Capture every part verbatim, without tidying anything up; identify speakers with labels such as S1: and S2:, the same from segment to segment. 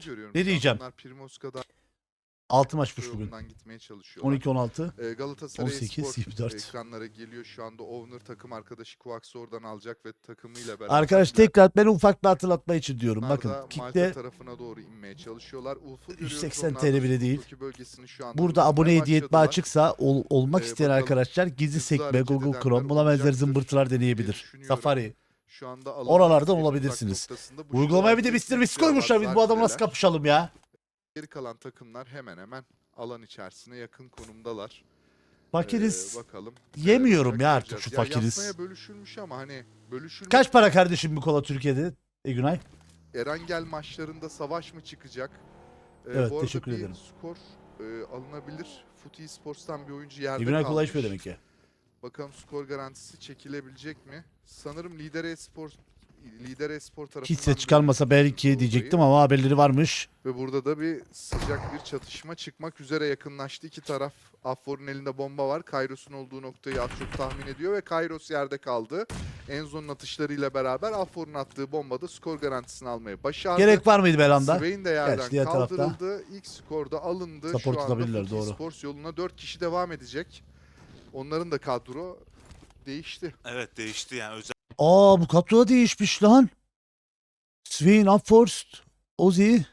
S1: görüyorum.
S2: Ne diyeceğim?
S1: Onlar Primoska'dan
S2: altı maçmış bugün.
S1: yolundan gitmeye çalışıyorlar.
S2: on iki on altı.
S1: Ee, Galatasaray
S2: on sekiz,
S1: Spor
S2: yirmi dört.
S1: ekranlara geliyor. Şu anda Owner takım arkadaşı Kuaks'ı oradan alacak ve takımıyla beraber.
S2: Arkadaş tekrar ben ufak bir hatırlatma için diyorum.
S1: Onlar
S2: Bakın
S1: da Malta
S2: kickte
S1: tarafına doğru inmeye çalışıyorlar. Ulf'u
S2: yüz
S1: görüyoruz.
S2: seksen
S1: Onlar da
S2: T L bile değil.
S1: Suzuki bölgesini şu anda
S2: burada
S1: hızlamaya
S2: abone hediye etme
S1: başladılar.
S2: açıksa ol- olmak
S1: Ee,
S2: isteyen
S1: bakalım,
S2: arkadaşlar gizli
S1: hızlı
S2: sekme,
S1: hareket
S2: Google
S1: edenler
S2: Chrome buna benzer
S1: olacaktır
S2: zımbırtılar
S1: diye
S2: deneyebilir.
S1: düşünüyorum.
S2: Safari.
S1: Şu anda alanın
S2: Oralardan
S1: en uzak
S2: olabilirsiniz.
S1: noktasında bu
S2: Uygulamaya bir de
S1: şuradaki
S2: mister Beast
S1: Siyah
S2: koymuşlar. Biz bu adamla nasıl
S1: Zarfiler.
S2: kapışalım ya?
S1: Geri kalan takımlar hemen hemen alan içerisine yakın konumdalar.
S2: Fakiriz.
S1: Ee, bakalım.
S2: Yemiyorum
S1: neler
S2: ya
S1: olacak,
S2: artık şu
S1: göreceğiz. Ya
S2: fakiriz.
S1: Yasnaya bölüşülmüş ama hani bölüşülmüş.
S2: Kaç para kardeşim bir kola Türkiye'de? E Günay?
S1: Erangel maçlarında savaş mı çıkacak? Ee,
S2: Evet,
S1: bu arada
S2: teşekkür
S1: bir
S2: ederim.
S1: skor e, alınabilir. Footy Sports'tan bir oyuncu yerde
S2: E Günay
S1: kalmış.
S2: kolay içmiyor demek ki.
S1: Bakalım skor garantisi çekilebilecek mi? Sanırım Lider Espor Lider Espor tarafından
S2: Hiç ses çıkarmasa belki
S1: olayı.
S2: diyecektim ama haberleri varmış.
S1: Ve burada da bir sıcak bir çatışma çıkmak üzere, yakınlaştı iki taraf. Affor'un elinde bomba var. Kairos'un olduğu noktayı az çok tahmin ediyor ve Kairos yerde kaldı. Enzo'nun atışlarıyla beraber Affor'un attığı bombada skor garantisini almayı başardı.
S2: Gerek var mıydı Belanda?
S1: Swain de yerden
S2: Gerçi diğer tarafta
S1: kaldırıldı. İlk skorda alındı.
S2: support
S1: Şu anda
S2: tutabilirler,
S1: Footy
S2: doğru.
S1: Sports yoluna dört kişi devam edecek. Onların da kadro değişti.
S3: Evet değişti yani özel.
S2: Aa bu kadro değişmiş lan. Swain, Upforced, Ozzy.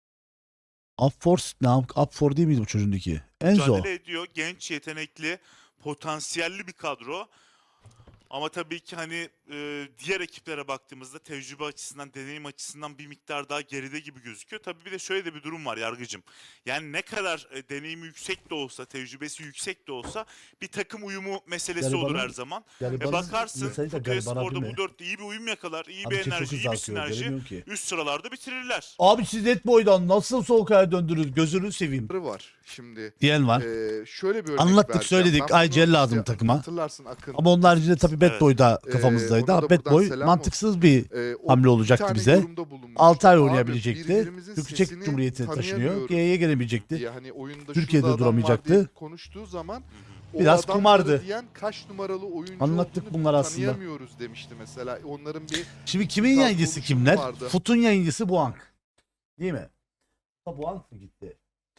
S2: Upforced ne? Upfor değil miydi bu çocuğundaki? Enzo.
S3: Mücadele ediyor. Genç, yetenekli, potansiyelli bir kadro. Ama tabii ki hani e, diğer ekiplere baktığımızda tecrübe açısından, deneyim açısından bir miktar daha geride gibi gözüküyor. Tabii bir de şöyle de bir durum var Yargıcım. Yani ne kadar e, deneyimi yüksek de olsa, tecrübesi yüksek de olsa bir takım uyumu meselesi
S2: Garibanın-
S3: olur her zaman. E
S2: Garibanın
S3: bakarsın
S2: mesajı da
S3: Futbol
S2: garibana
S3: Spor'da
S2: değil mi?
S3: bu dörtte iyi bir uyum yakalar, iyi
S2: Abi
S3: bir
S2: çok
S3: enerji,
S2: hızlı
S3: iyi bir
S2: akıyor,
S3: sinerji.
S2: göremiyorum ki.
S3: Üst sıralarda bitirirler.
S2: Abi siz Netboy'dan nasıl soğuk aya döndünüz? Gözünü seveyim.
S1: var şimdi.
S2: Diyen var.
S1: Ee, şöyle bir örnek
S2: Anlattık,
S1: vereceğim.
S2: söyledik.
S1: Ben
S2: Ay,
S1: bunu
S2: Cel lazım
S1: işte
S2: takıma.
S1: Hatırlarsın Akın.
S2: Ama onun haricinde tabii Bad
S3: Evet.
S2: Boy'da
S1: Ee,
S2: kafamızdaydı.
S1: ona
S2: Ama
S1: da
S2: Bad
S1: buradan
S2: Boy
S1: selam
S2: mantıksız bir
S1: Ee, o
S2: hamle
S1: bir
S2: olacaktı
S1: tane
S2: bize.
S1: yorumda bulunmuştu.
S2: altı ay
S1: Abi,
S2: oynayabilecekti.
S1: birbirimizin
S2: Türk Çek
S1: sesini
S2: Cumhuriyeti'ne taşınıyor.
S1: tanıyamıyoruz
S2: G'ye gelemeyecekti.
S1: diye, hani oyunda
S2: Türkiye'de
S1: şurada adam var
S2: duramayacaktı.
S1: diye konuştuğu zaman o
S2: Biraz
S1: adamları
S2: kumardı.
S1: diyen kaç numaralı oyuncu
S2: Anlattık
S1: olduğunu
S2: bunları aslında.
S1: tanıyamıyoruz demişti mesela. Onların bir
S2: Şimdi kimin
S1: Biraz
S2: yayıncısı
S1: konuşumu
S2: kimler?
S1: vardı.
S2: Fut'un yayıncısı Buank. Değil mi? Ha, Buank mı gitti?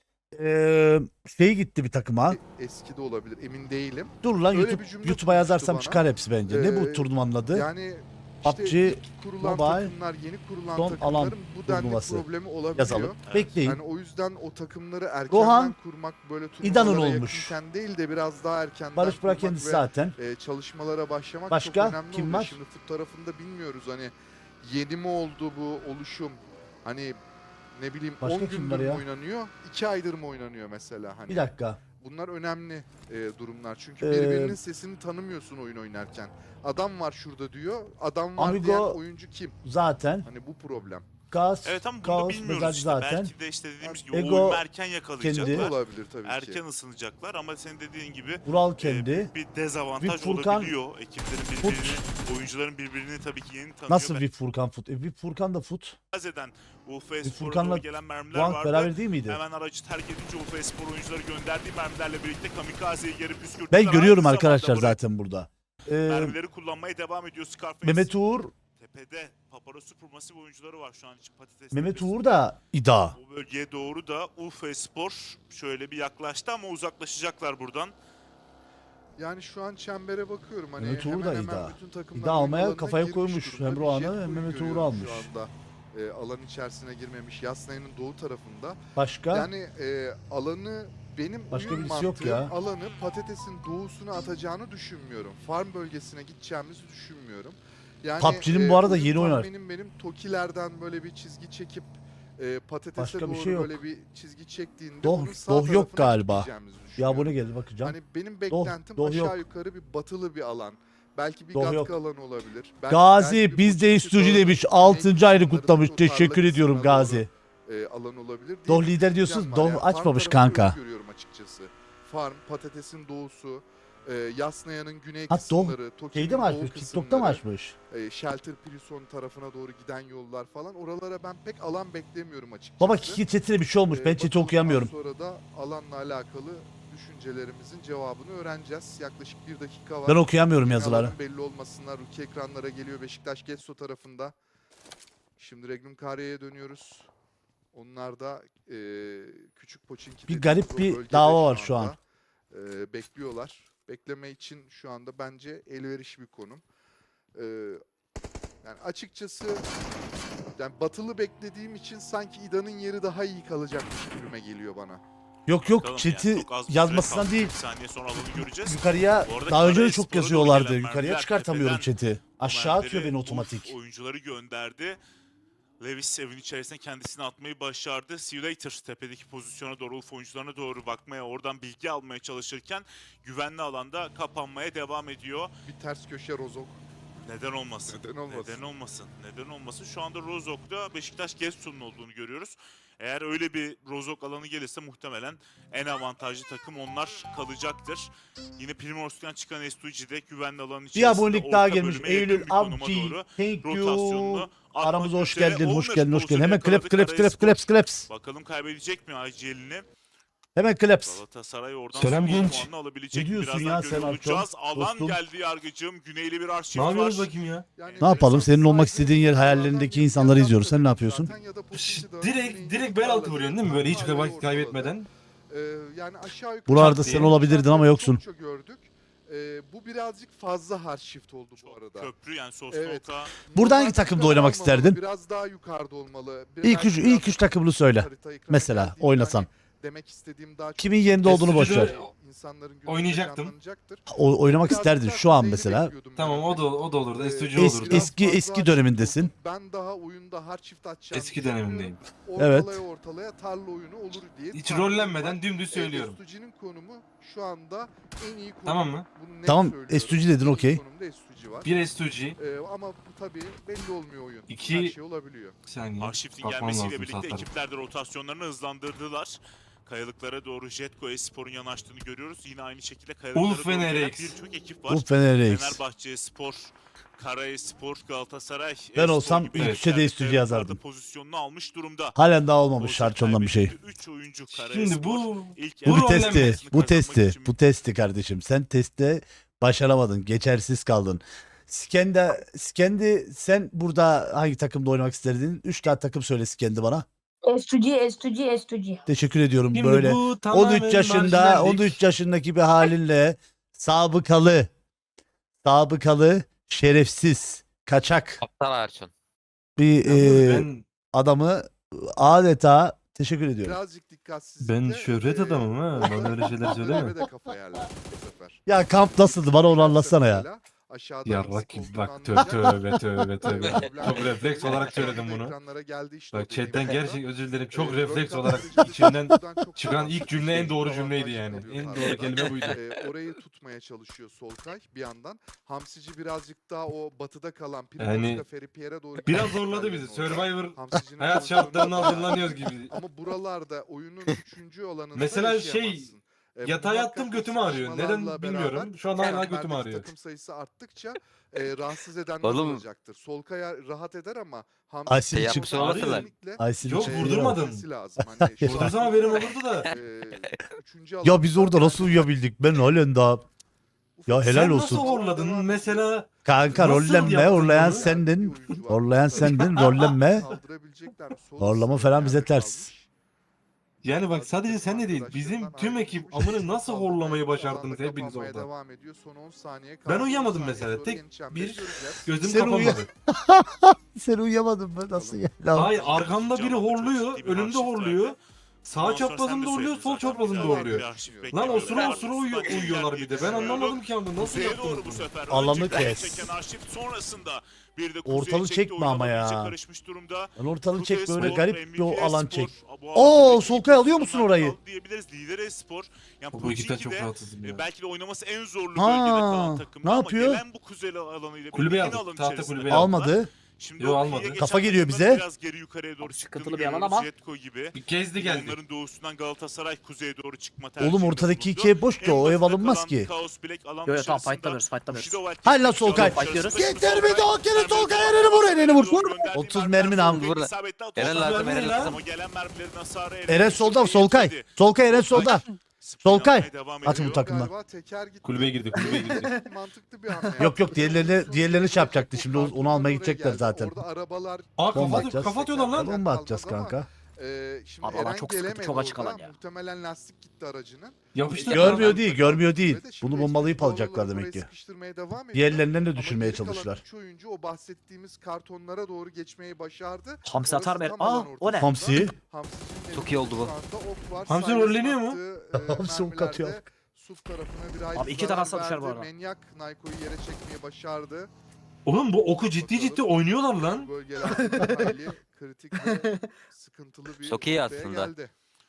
S2: Ee, şey gitti bir takıma.
S1: eski de olabilir, emin değilim.
S2: Dur lan
S1: Öyle
S2: YouTube,
S1: bir cümle
S2: YouTube'a yazarsam
S1: kurmuştu
S2: çıkar hepsi bence. ne bu
S1: Ee,
S2: turnuvanın adı?
S1: Yani
S2: P U
S1: işte
S2: B G
S1: ilk kurulan
S2: Mobile
S1: takımlar, yeni kurulan
S2: Son
S1: takımların
S2: Alan
S1: bu denli
S2: turnuvası.
S1: problemi olabiliyor.
S2: Yazalım.
S3: Evet.
S2: Bekleyin.
S1: Yani o yüzden o takımları erkenden
S2: Rohan,
S1: kurmak, böyle
S2: İdan'ın
S1: turnuvalara
S2: olmuş.
S1: yakınken değil de biraz daha erkenden
S2: Barış Burak
S1: kurmak
S2: kendisi
S1: ve
S2: zaten.
S1: e, çalışmalara başlamak
S2: Başka?
S1: çok önemli
S2: Kim
S1: oluyor.
S2: var?
S1: Şimdi fut tarafında bilmiyoruz, hani yeni mi oldu bu oluşum, hani ne bileyim
S2: Başka
S1: on
S2: kim
S1: gündür
S2: var
S1: mü
S2: ya?
S1: oynanıyor, iki aydır mı oynanıyor mesela, hani
S2: Bir dakika.
S1: bunlar önemli e, durumlar çünkü
S2: Ee,
S1: birbirinin sesini tanımıyorsun oyun oynarken. Adam var şurada diyor, adam var
S2: Amigo
S1: diyen oyuncu kim?
S2: Zaten.
S1: Hani bu problem.
S2: Gaz,
S3: Evet ama bunu da
S2: Kaos,
S3: bilmiyoruz
S2: Mezarcı
S3: işte.
S2: zaten.
S3: Belki de işte dediğimiz gibi
S2: Ego
S3: o uyumu erken
S2: kendi.
S3: yakalayacaklar.
S1: Olabilir tabii ki.
S3: Erken ısınacaklar ama senin dediğin gibi
S2: Vural
S3: e,
S2: kendi.
S3: bir dezavantaj
S2: Bir Furkan,
S3: olabiliyor. Ekiplerin birbirini, oyuncuların birbirini tabii ki yeni tanıyor.
S2: Nasıl bir Furkan Fut? E, bir Furkan da Fut.
S3: Bazen U F
S2: Bir
S3: Spor'a
S2: Furkan'la
S3: doğru gelen mermiler
S2: Buank
S3: vardı.
S2: beraber değil miydi?
S3: Hemen aracı terk edince U F Spor oyuncuları gönderdiği mermilerle birlikte kamikazeyi geri püskürttüler.
S2: Ben görüyorum
S3: Aynı
S2: arkadaşlar
S3: zamanda buraya
S2: zaten burada. Ee,
S3: mermileri kullanmaya devam ediyor Scarface.
S2: Mehmet Uğur,
S3: Tepede Paparazzi Supermassive oyuncuları var şu an için patates.
S2: Mehmet
S3: tepesinde.
S2: Uğur da İda.
S3: O bölgeye doğru da U F Spor şöyle bir yaklaştı ama uzaklaşacaklar buradan.
S1: Yani şu an çembere bakıyorum, hani
S2: Mehmet Uğur
S1: hemen
S2: da
S1: hemen
S2: İda.
S1: bütün takımlar
S2: İda almaya
S1: oyunlarına
S2: kafaya
S1: girmiş
S2: koymuş.
S1: durumda.
S2: Hem
S1: Bir
S2: Rohan'ı
S1: Jet
S2: hem
S1: Bull
S2: Mehmet Uğur'u
S1: görüyorum
S2: almış.
S1: Şu anda e, alan içerisine girmemiş. Yasnaya'nın doğu tarafında.
S2: Başka?
S1: Yani e, alanı, benim
S2: Başka
S1: oyun
S2: birisi yok
S1: mantığım
S2: ya.
S1: alanı patatesin doğusuna atacağını düşünmüyorum. Farm bölgesine gideceğimizi düşünmüyorum. Yani
S2: P U B G'nin bu arada
S1: oyun
S2: yeni oynar.
S1: tahminim benim Tokilerden böyle bir çizgi çekip e, patatese
S2: Başka bir
S1: doğru
S2: şey yok.
S1: böyle bir çizgi çektiğinde
S2: Doh-
S1: bunun sağ
S2: doh yok
S1: tarafına
S2: galiba.
S1: gitmeyeceğimizi
S2: Bir
S1: düşünüyorum.
S2: abone geldi bakacağım.
S1: Hani benim
S2: Doh-
S1: beklentim
S2: doh
S1: aşağı
S2: yok.
S1: yukarı bir batılı bir alan. Belki bir
S2: Doh
S1: katkı
S2: yok.
S1: alanı olabilir. Belki,
S2: Gazi
S1: belki bir
S2: biz de
S1: Koçuki
S2: istiyorcu
S1: Dağı'nın
S2: demiş.
S1: güney
S2: altıncı ayını
S1: kısımlarının
S2: kutlamış.
S1: o tarla
S2: Teşekkür ediyorum
S1: kısmına
S2: Gazi.
S1: doğru, e, alan olabilir. diye
S2: Doh
S1: bir
S2: lider
S1: düşüncem
S2: diyorsunuz.
S1: var.
S2: Doh
S1: Yani farm
S2: açmamış
S1: tarafı
S2: kanka.
S1: öyle görüyorum açıkçası. Farm, patatesin doğusu, e, Yasnaya'nın güney
S2: Ha, Doh
S1: kısımları, Toki'nin
S2: Şeyde mi
S1: doğu
S2: açmış? TikTok'ta mı
S1: kısımları,
S2: açmış?
S1: e, Shelter Prison tarafına doğru giden yollar falan. Oralara ben pek alan beklemiyorum açıkçası.
S2: Baba Kiki chatine bir şey olmuş.
S1: Ee,
S2: Ben chat'i
S1: bakalım
S2: okuyamıyorum.
S1: daha sonra da alanla alakalı düşüncelerimizin cevabını öğreneceğiz. Yaklaşık bir dakika var.
S2: Ben okuyamıyorum
S1: Yine
S2: yazıları.
S1: alanın belli olmasınlar. Ruki ekranlara geliyor Beşiktaş Getso tarafında. Şimdi Regnum Kariye'ye dönüyoruz. Onlar da e, küçük Pochinki
S2: Bir
S1: dediğimiz
S2: garip
S1: o
S2: bir
S1: bölgede
S2: dava var şu an.
S1: anda, e, bekliyorlar. Bekleme için şu anda bence elverişli bir konum. E, yani açıkçası yani batılı beklediğim için sanki İda'nın yeri daha iyi kalacakmış gibime geliyor bana.
S2: Yok yok
S3: Bakalım
S2: chat'i
S3: yani, çok az bir süre
S2: yazmasından
S3: kaldı.
S2: değil.
S3: Bir saniye sonra alanı göreceğiz.
S2: Yukarıya
S3: Bu arada
S2: daha önce de
S3: Karaespor'a
S2: çok
S3: doğru
S2: yazıyorlardı.
S3: gelen
S2: Yukarıya
S3: mermiler
S2: çıkartamıyorum
S3: tepeden
S2: chat'i. Aşağı atıyor
S3: mermileri
S2: beni
S3: Wolf
S2: otomatik.
S3: oyuncuları gönderdi. Lewis evin içerisine kendisini atmayı başardı. See you later tepedeki pozisyona doğru, Wolf oyuncularına doğru bakmaya, oradan bilgi almaya çalışırken güvenli alanda kapanmaya devam ediyor.
S1: Bir ters köşe Rozok.
S3: Neden olmasın?
S1: Neden olmasın?
S3: Neden olmasın? Neden olmasın? Şu anda Rozok'ta Beşiktaş Gezsun'un olduğunu görüyoruz. Eğer öyle bir Rozok alanı gelirse muhtemelen en avantajlı takım onlar kalacaktır. Yine Primors'tan çıkan S iki G'de güvenli alanın
S2: Bir
S3: içerisinde
S2: abonelik daha
S3: orta
S2: gelmiş.
S3: bölüme yakın
S2: Eylül
S3: bir konuma
S2: Abdi.
S3: doğru
S2: Thank
S3: rotasyonunu
S2: you.
S3: atmak
S2: Aramıza hoş
S3: üzere.
S2: geldin. Hoş
S3: Owner
S2: geldin. Hoş geldin.
S3: pozisyonu
S2: Hemen clap
S3: yakaladı
S2: clap clap
S3: Karaespor.
S2: claps claps.
S3: Bakalım kaybedecek mi I G L'ini?
S2: Hemen claps.
S3: Galatasaray oradan
S4: Selam
S3: son
S4: genç.
S3: puanını alabilecek
S2: Ne
S3: mi?
S2: diyorsun
S3: Birazdan
S2: ya sen
S3: görüyor
S2: Arçon?
S3: olacağız. Alan
S2: Dostum.
S3: geldi yargıcım. Güneyli bir arşiv
S4: Ne
S3: var.
S4: yapıyoruz bakayım ya?
S1: Yani
S2: Ne yapalım? Senin olmak
S1: saygı
S2: istediğin yer
S1: oyunculardan
S2: hayallerindeki
S1: bir
S2: insanları
S1: fiyat
S2: izliyoruz. Sen ne
S1: tabii
S2: yapıyorsun?
S1: zaten ya da
S4: Şşt,
S1: Pochinki'de
S4: direkt
S1: örneğin
S4: direkt bel altı vuruyorsun değil mi böyle hiç
S1: Tarlayı
S4: vakit
S1: ortaladı.
S4: kaybetmeden?
S1: Ee, yani aşağı yukarı
S2: Buralarda
S4: Çat
S2: sen
S4: diye.
S2: olabilirdin ama yoksun.
S1: Çokça gördük. Ee, bu birazcık fazla hard shift oldu bu
S3: Çok
S1: arada.
S3: köprü yani
S1: Evet.
S3: Sosnok'a.
S2: Burada hangi
S1: Normal
S2: takımda
S1: yukarı
S2: oynamak
S1: olmamalı,
S2: isterdin?
S1: Biraz daha yukarıda olmalı. Bir-
S2: İlk
S1: belki
S2: üç,
S1: biraz
S2: ilk üç takımını söyle.
S1: harita ekrana
S2: Mesela
S1: geldiğinde
S2: oynasan.
S1: hani demek istediğim daha çok
S2: Kimin yerinde olduğunu boş ver.
S1: insanların gözünde
S4: Oynayacaktım.
S1: canlanacaktır.
S2: O, oynamak
S1: Biraz
S2: isterdin
S1: daha
S2: şu an
S1: kuzeyini
S2: mesela.
S1: bekliyordum ben
S4: Tamam o
S1: örneğin.
S4: da o da olurdu.
S1: Ee,
S4: S iki
S2: Es-
S4: olurdu.
S1: biraz
S2: eski
S1: fazla
S2: eski
S1: hard
S2: dönemindesin.
S1: shift oldu. Ben daha oyunda hard shift atacağını
S4: Eski
S1: düşünüyorum.
S4: dönemindeyim.
S2: Evet.
S1: Ortalaya ortalaya tarla oyunu olur diye.
S4: Hiç
S1: tahminim
S4: rollenmeden
S1: var.
S4: dümdüz
S1: Ee,
S4: söylüyorum.
S1: S iki G'nin konumu şu anda en iyi konum.
S4: Tamam mı?
S1: Bunu net
S2: Tamam,
S1: söylüyorum.
S2: S iki G dedin,
S1: En iyi
S2: okey.
S1: konumda S iki G var.
S4: Bir S iki G.
S1: Ee, ama bu tabii belli olmuyor oyun.
S4: İki-
S1: Her şey olabiliyor.
S4: Bir saniye.
S3: Arşif'in
S4: Bakmam
S3: gelmesiyle
S4: lazım
S3: birlikte
S4: saatler.
S3: ekipler de rotasyonlarını hızlandırdılar. Kayalıklara doğru Jetco Espor'un yanaştığını görüyoruz. Yine aynı şekilde kayalıklara
S4: Ulf
S3: doğru gelen
S4: Fener X.
S3: birçok ekip var.
S2: Bu Fener X.
S3: Fenerbahçe Spor, Karaespor, Galatasaray.
S2: Ben
S3: E-Spor
S2: olsam
S3: gibi
S2: ilk
S3: ekipler
S2: üçe de
S3: de
S2: S iki G
S3: kayalıklarda
S2: yazardım.
S3: Pozisyonunu almış durumda.
S2: Halen daha olmamış
S3: Olsa
S2: Şarçon'dan bir şey.
S3: kaybetti. Üç oyuncu Karaespor.
S4: Şimdi bu
S3: ilk
S2: Bu
S4: Bu
S2: bir
S3: yarı
S2: testi.
S3: rollenmesini
S2: Bu
S3: kazanmak
S2: testi.
S3: için
S2: Bu testi kardeşim. Sen testte başaramadın. Geçersiz kaldın. Skendi, Skendi sen burada hangi takımda oynamak isterdin? Üç tane takım söyle Skendi bana.
S5: S iki G, S iki G, S iki G.
S2: Teşekkür ediyorum.
S4: şimdi
S2: Böyle
S4: bu tamamen
S2: on üç yaşında,
S4: marjinallik.
S2: on üç yaşındaki bir halinle sabıkalı, sabıkalı, şerefsiz, kaçak
S6: Aptal Erçin.
S2: bir
S4: Yalnız
S2: e,
S4: ben
S2: adamı adeta teşekkür ediyorum.
S1: Birazcık dikkatsizlik.
S4: ben şöhret adamım ha. Bana öyle şeyler söyleme.
S1: de kafa yerler bu sefer.
S2: Ya kamp nasıldı? Bana onu anlatsana ya.
S1: Mesela aşağıda
S4: Yarrak
S1: nasıl
S4: gibi
S1: olduğunu
S4: bak tövbe
S1: anlayacak.
S4: tövbe tövbe tövbe.
S1: Problem
S4: Çok
S1: yok.
S4: refleks olarak söyledim bunu.
S1: Ekranlara geldi işte o
S4: Bak
S1: dediğim
S4: chatten
S1: nokta.
S4: gerçek özür dilerim. Çok
S1: Ee,
S4: refleks
S1: Röntgen
S4: olarak
S1: tarayıcı
S4: içimden
S1: buradan çok
S4: çıkan
S1: daha
S4: ilk cümle en doğru
S1: avantajlı
S4: cümleydi yani.
S1: oluyor
S4: En doğru
S1: tarlada.
S4: kelime buydu.
S1: Ee, orayı tutmaya çalışıyor Solkay bir yandan. Hamsici birazcık daha o batıda kalan
S4: Yani
S1: Primorska Feripier'e doğru
S4: Biraz
S1: giden
S4: zorladı bizi.
S1: yerlerin orada.
S4: Survivor
S1: Hamsici'nin
S4: hayat
S1: pozisyonu
S4: şartlarına
S1: bayağı
S4: hazırlanıyoruz
S1: iyi.
S4: gibi.
S1: Ama buralarda oyunun üçüncü alanında
S4: Mesela şey,
S1: yaşayamazsın. Ee,
S4: Yatağa
S1: bu
S4: yattım
S1: muhakkak
S4: götüm ağrıyor.
S1: sıkışmalarla
S4: Neden bilmiyorum.
S1: beraber
S4: Şu an hala
S1: çemberdeki
S4: götüm ağrıyor.
S1: takım sayısı arttıkça e, rahatsız edenler
S6: Oğlum.
S1: olacaktır. Solkaya rahat eder ama
S2: Aysin
S1: Hamsici
S6: Şey
S2: için
S6: yapmış olmasınlar.
S1: kesinlikle
S2: Aysin
S4: Yok,
S2: için-
S1: e,
S4: vurdurmadım.
S1: yapması lazım. Hani şu
S4: Vurdursam
S1: an-
S4: haberim olurdu da.
S1: e, üçüncü
S2: Ya biz
S1: alanda
S2: orada nasıl uyuyabildik? Ben halen daha ya helal
S4: Sen
S2: olsun.
S4: nasıl horladın? Mesela
S2: Kanka
S4: Nasıl
S2: rollenme,
S4: yaptın
S2: horlayan
S4: bunu?
S2: sendin. Horlayan sendin, rollenme. Horlama falan bize ters.
S4: yani bak sadece sen de değil. Bizim tüm ekip amını nasıl horlamayı başardınız hepiniz orada.
S1: Devam ediyor. Son on saniye
S4: Ben
S1: kaldı.
S4: uyuyamadım
S1: on saniye
S4: mesela.
S1: sonra
S4: Tek
S1: yeni çemberi
S4: bir
S1: göreceğiz.
S4: Gözüm
S2: Sen
S4: kapanmadı.
S2: uya- Sen uyuyamadın mı? Nasıl ya? Lan.
S4: Hayır arkamda biri
S3: Canlı çok
S4: horluyor.
S3: ciddi bir
S4: önümde
S3: arşiv
S4: horluyor.
S3: verdi.
S4: Sağ
S3: Ondan sonra sen
S4: çaprazımda
S3: de
S4: horluyor,
S3: söyledin
S4: sol
S3: zaten.
S4: çaprazımda
S3: Güzel
S4: horluyor.
S3: bir arşiv
S4: Lan
S3: bekliyoruz.
S4: osura osura uyu-
S3: Arkasından
S4: uyuyorlar bir de. Ben
S3: düşünüyorum.
S4: anlamadım ki anda nasıl
S3: Kuzeye
S4: yaptınız
S3: doğru bu
S4: bunu?
S3: sefer.
S2: Alanı
S3: Önce
S2: kes.
S3: çeken arşiv sonrasında bir de
S2: Ortalığı
S3: kuzeye çekti,
S2: çekme
S3: oyun
S2: ama
S3: alanı
S2: ya.
S3: iyice karışmış durumda.
S2: Lan ortalığı
S3: Kuzey
S2: çek böyle
S3: Spor,
S2: garip
S3: M V
S2: bir
S3: P
S2: o alan
S3: Spor,
S2: çek.
S3: bu
S2: Oo,
S3: alandaki
S2: Solkay alıyor musun
S3: pozisyonlar
S2: orayı?
S3: kaldı diyebiliriz. Lidere Spor. Yani
S4: Bu ekipten çok
S3: Pochinki'de,
S4: rahatsızım
S3: e,
S4: ya.
S3: belki de oynaması en zorlu
S2: Ha,
S3: bölgede kalan takım.
S2: ne
S3: ama
S2: yapıyor?
S3: gelen bu kuzey alanıyla
S4: Kulübe
S3: yine
S4: aldık,
S3: alan
S4: tahta
S3: içerisinde
S4: kulübe
S3: kaldılar.
S2: Almadı.
S3: Şimdi
S4: Yo,
S3: o
S4: almadı.
S3: kıyıya
S2: Kafa
S3: geçen
S2: geliyor
S3: takımların
S2: bize.
S3: Biraz geri yukarıya doğru çıktığını
S5: Sıkıntılı bir alan
S3: görüyoruz.
S5: ama.
S3: Jetco gibi.
S4: Bir kez de geldi.
S3: Onların doğusundan Galatasaray kuzeye doğru çıkma
S2: Oğlum
S3: tercihinde
S2: ortadaki
S3: bulundu.
S2: ikiye boş ki
S3: En
S2: o ev
S3: batıda
S2: alınmaz
S3: kalan
S2: ki.
S3: Kaos Black alan
S5: Yo yo tamam
S3: dışarısında
S5: fightlamıyoruz fightlamıyoruz.
S3: Bushido Wild
S2: Hala
S3: Keskin
S2: Solkay.
S3: alan içerisinde
S2: Getir
S3: Solkay
S2: bir daha kere
S3: mermileri
S2: Solkay
S3: var.
S2: Eren'i vur, Eren'i vur.
S3: Gönderdiği
S2: otuz
S3: mermiler
S2: mermi lan.
S3: Solkay'ın
S6: Vur.
S3: isabetli atıyor.
S6: Eren
S3: otuz
S6: lazım,
S3: mermi
S4: Eren
S3: lazım.
S4: lazım.
S3: Ama gelen mermilerin hasarı
S2: Eren solda Solkay. Solkay Eren solda. Solkay. Atın bu takımdan.
S1: Galiba teker gitti.
S4: Kulübeye girdi, kulübeye girdi.
S1: Mantıklı bir hamle.
S2: Yok, yok, diğerlerini- diğerlerini şey yapacaktı. Şimdi onu almaya gidecekler zaten.
S1: Orada arabalar
S4: Aa
S2: Bomba
S4: kafa,
S2: atacağız.
S4: kafa atıyorlar lan.
S2: Bomba atacağız kanka.
S1: Ee, şimdi
S6: Abi alan
S1: Eren
S6: çok sıkıntı,
S1: gelemedi
S6: çok açık
S1: orada.
S6: alan ya.
S1: Muhtemelen lastik gitti aracının.
S4: Yapıştır.
S2: Görmüyor
S1: Eren
S2: değil,
S1: takım
S2: görmüyor değil.
S1: sürede şimdi
S2: Bunu
S1: X
S2: bombalayıp
S1: P
S2: alacaklar
S1: Paolo'ları
S2: demek
S1: buraya
S2: ki.
S1: sıkıştırmaya devam ediyor.
S2: Diğerlerinden de
S1: Ama
S2: düşürmeye
S1: geri kalan
S2: çalıştılar.
S1: üç oyuncu o bahsettiğimiz kartonlara doğru geçmeyi başardı.
S6: Hamsi atar
S1: Orası
S6: mı?
S1: tam alan
S6: Aa o ne?
S1: ortasında.
S2: Hamsi.
S1: Hamsi'nin
S6: Çok iyi oldu bu.
S1: elinde şu anda ok var.
S4: Hamsi
S1: Silas'ın
S4: rolleniyor mu?
S1: attığı, e,
S2: Hamsi ok atıyor.
S1: mermilerde Suf tarafına bir ayrı
S6: Abi iki
S1: zarar
S6: tarafta düşer bu
S1: verdi.
S6: arada.
S1: Manyak Naiko'yu yere çekmeyi başardı.
S4: Oğlum bu oku ciddi
S1: Bakalım.
S4: ciddi oynuyorlar
S1: Bu
S4: lan.
S1: bölgelerde hayli kritik ve sıkıntılı bir
S7: Çok iyi
S1: noktaya
S7: aslında.
S1: geldi.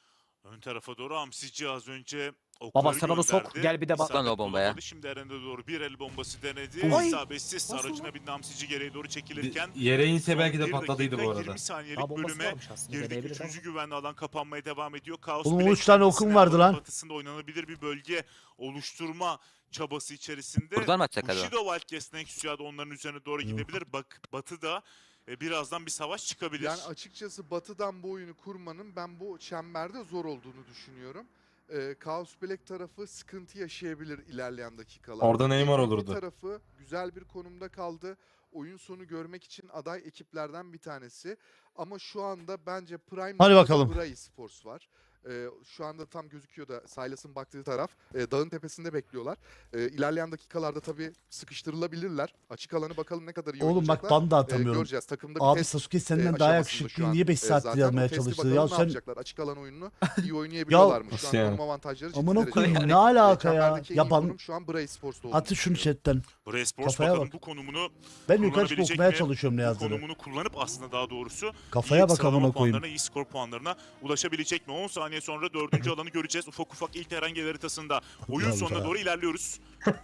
S3: Ön tarafa doğru Hamsici az önce okları
S6: Baba sen onu sok,
S3: gönderdi.
S6: gel bir de bak.
S3: İsabet
S7: Lan o bombaya.
S3: bulamadı. Şimdi Eren'e doğru bir el bombası denedi.
S6: Ay!
S3: İsabetsiz
S6: Nasıl
S3: aracına
S6: lan?
S3: bindi Hamsici geriye doğru çekilirken.
S4: Yere inse
S3: son
S4: belki de
S3: bir
S4: patladıydı
S3: dakika
S4: bu arada.
S3: yirmi saniyelik
S6: Daha bombası
S3: bölüme
S6: varmış aslında.
S3: girdik.
S6: Deneyebilir ama.
S3: Üçüncü güvenli alan kapanmaya devam ediyor. Kaos
S2: Oğlum,
S3: Black
S2: üç tane
S3: kendisine
S2: okum vardı
S3: alanın
S2: lan.
S3: batısında oynanabilir bir bölge oluşturma çabası içerisinde.
S7: Buradan mı atacak acaba?
S3: Bushido Wildcats Nexus'a da onların üzerine doğru gidebilir. Bak Batı'da e, birazdan bir savaş çıkabilir.
S1: Yani açıkçası batıdan bu oyunu kurmanın ben bu çemberde zor olduğunu düşünüyorum. Ee, Chaos Black tarafı sıkıntı yaşayabilir ilerleyen dakikalarda.
S4: Orada Neymar
S1: M V P
S4: olurdu.
S1: tarafı güzel bir konumda kaldı. Oyun sonu görmek için aday ekiplerden bir tanesi. Ama şu anda bence Prime
S2: Hadi
S1: noktada
S2: bakalım.
S1: Bra Esports var. Ee, şu anda tam gözüküyor da Silas'ın baktığı taraf. Ee, dağın tepesinde bekliyorlar. Ee, ilerleyen dakikalarda tabii sıkıştırılabilirler. Açık alanı bakalım ne kadar iyi
S2: Oğlum bak
S1: oynayacaklar.
S2: ben de
S1: Ee,
S2: atamıyorum.
S1: göreceğiz. Takımda bir
S2: Abi
S1: test
S2: Sasuke
S1: e,
S2: senden daha
S1: aşamasında
S2: yakışıklı.
S1: şu an.
S2: Niye beş
S1: E,
S2: saattir
S1: zaten
S2: yazmaya
S1: o testi
S2: çalıştı?
S1: bakalım
S2: Ya
S1: ne
S2: sen
S1: yapacaklar? Açık alan oyununu iyi oynayabiliyorlar mı? Şu
S4: Nasıl
S1: an
S4: yani?
S1: konum avantajları ciddi
S2: amına
S1: derecede.
S2: koyayım
S7: Yani.
S2: ne alaka
S1: E,
S2: ya?
S1: çemberdeki en iyi
S2: Yapan
S1: konum şu an Bra Sports'ta olduğunu
S2: atı şunu
S1: düşünüyorum.
S2: chatten.
S3: Buraya Sports
S2: Kafaya
S3: bakalım
S2: bak.
S3: bu konumunu
S2: Ben yukarı çıkıp
S3: kullanabilecek
S2: okumaya
S3: mi?
S2: çalışıyorum ne
S3: Bu
S2: yazdığını.
S3: konumunu kullanıp aslında daha doğrusu
S2: Kafaya
S3: iyi
S2: bak
S3: sıralama
S2: amına koyayım.
S3: puanlarına, iyi skor puanlarına ulaşabilecek mi? on saniye sonra dördüncü alanı göreceğiz. Ufak ufak ilk herhangi haritasında oyun
S2: Bravo
S3: sonuna
S2: sana.
S3: doğru ilerliyoruz.